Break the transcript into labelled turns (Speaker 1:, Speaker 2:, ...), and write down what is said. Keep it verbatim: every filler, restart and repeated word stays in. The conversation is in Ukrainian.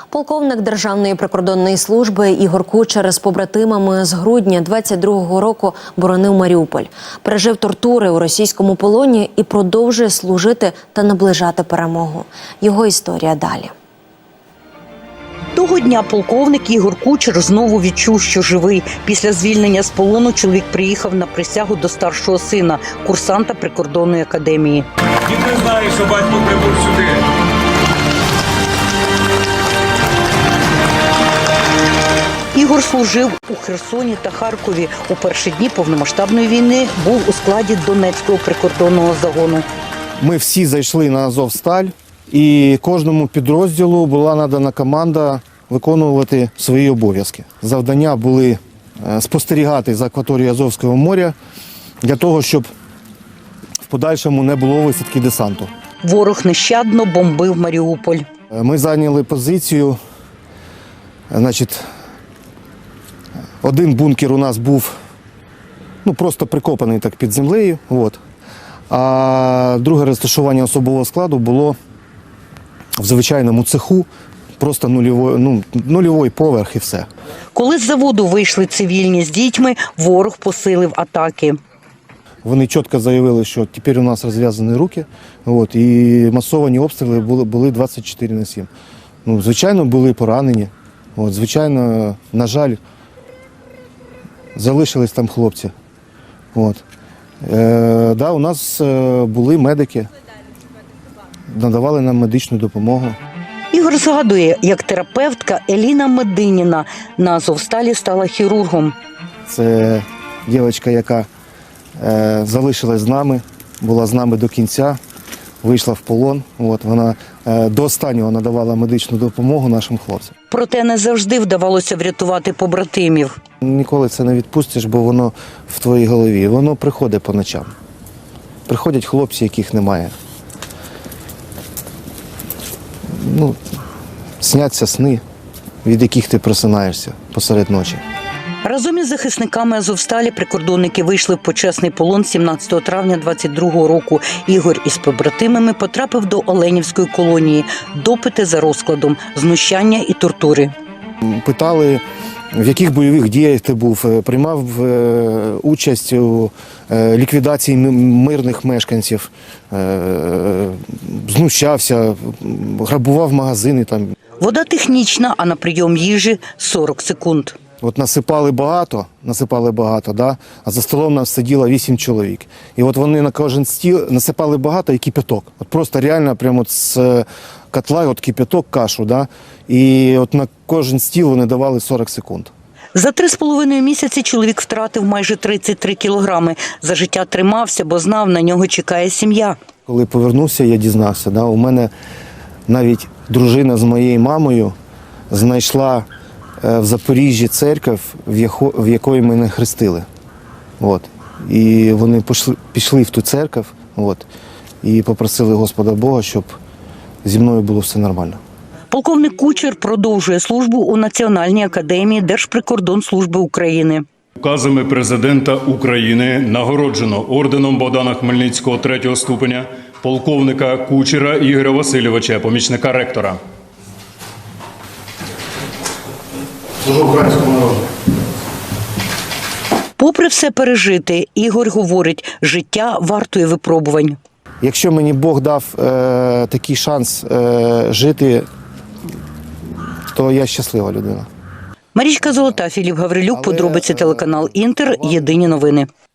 Speaker 1: Полковник Державної прикордонної служби Ігор Кучер з побратимами з грудня двадцять другого року боронив Маріуполь. Пережив тортури у російському полоні і продовжує служити та наближати перемогу. Його історія далі.
Speaker 2: Того дня полковник Ігор Кучер знову відчув, що живий. Після звільнення з полону чоловік приїхав на присягу до старшого сина, курсанта прикордонної академії.
Speaker 3: Він не знає, що батько прибув сюди.
Speaker 2: Ігор служив у Херсоні та Харкові. У перші дні повномасштабної війни був у складі Донецького прикордонного загону.
Speaker 4: Ми всі зайшли на Азовсталь, і кожному підрозділу була надана команда виконувати свої обов'язки. Завдання були спостерігати за акваторією Азовського моря для того, щоб в подальшому не було висадки десанту.
Speaker 2: Ворог нещадно бомбив Маріуполь.
Speaker 4: Ми зайняли позицію, значить, один бункер у нас був ну, просто прикопаний так під землею, от. А друге розташування особового складу було в звичайному цеху, просто нульовий, ну, нульовий поверх і все.
Speaker 2: Коли з заводу вийшли цивільні з дітьми, ворог посилив атаки.
Speaker 4: Вони чітко заявили, що тепер у нас розв'язані руки, от, і масовані обстріли були, були двадцять чотири на сім. Ну, звичайно, були поранені, от, звичайно, на жаль, залишились там хлопці. От. Е, да, у нас е, були медики, надавали нам медичну допомогу.
Speaker 2: Ігор згадує, як терапевтка Еліна Мединіна на Азовсталі стала хірургом.
Speaker 4: Це дівчинка, яка е, залишилась з нами, була з нами до кінця, вийшла в полон. От, вона е, до останнього надавала медичну допомогу нашим хлопцям.
Speaker 2: Проте не завжди вдавалося врятувати побратимів.
Speaker 4: Ніколи це не відпустиш, бо воно в твоїй голові. Воно приходить по ночам. Приходять хлопці, яких немає. Ну, сняться сни, від яких ти просинаєшся посеред ночі.
Speaker 2: Разом із захисниками Азовсталі прикордонники вийшли в почесний полон сімнадцятого травня двадцять другого року. Ігор із побратимами потрапив до Оленівської колонії. Допити за розкладом, знущання і тортури.
Speaker 4: Питали, в яких бойових діях ти був, приймав е, участь у е, ліквідації мирних мешканців, е, знущався, грабував магазини. Там.
Speaker 2: Вода технічна, а на прийом їжі – сорок секунд.
Speaker 4: От насипали багато, насипали багато, да? А за столом нас сиділо вісім чоловік. І от вони на кожен стіл насипали багато і кипяток. От просто реально прямо от з котла от кипяток, кашу, да? І от на кожен стіл вони давали сорок секунд.
Speaker 2: За три з половиною місяці чоловік втратив майже тридцять три кілограми. За життя тримався, бо знав, на нього чекає сім'я. Коли
Speaker 4: повернувся, я дізнався, да? У мене навіть дружина з моєю мамою знайшла в Запоріжжі церкву, в якої мене хрестили. От. І вони пішли, пішли в ту церкву, от, і попросили Господа Бога, щоб зі мною було все нормально.
Speaker 2: Полковник Кучер продовжує службу у Національній академії Держприкордонслужби України.
Speaker 3: Указами президента України нагороджено орденом Богдана Хмельницького третього ступеня полковника Кучера Ігоря Васильовича, помічника ректора.
Speaker 2: Попри все пережити, Ігор говорить, життя вартує випробувань.
Speaker 4: Якщо мені Бог дав е, такий шанс е, жити, то я щаслива людина.
Speaker 2: Марічка Золота, Філіп Гаврилюк, подробиці телеканал Інтер, єдині новини.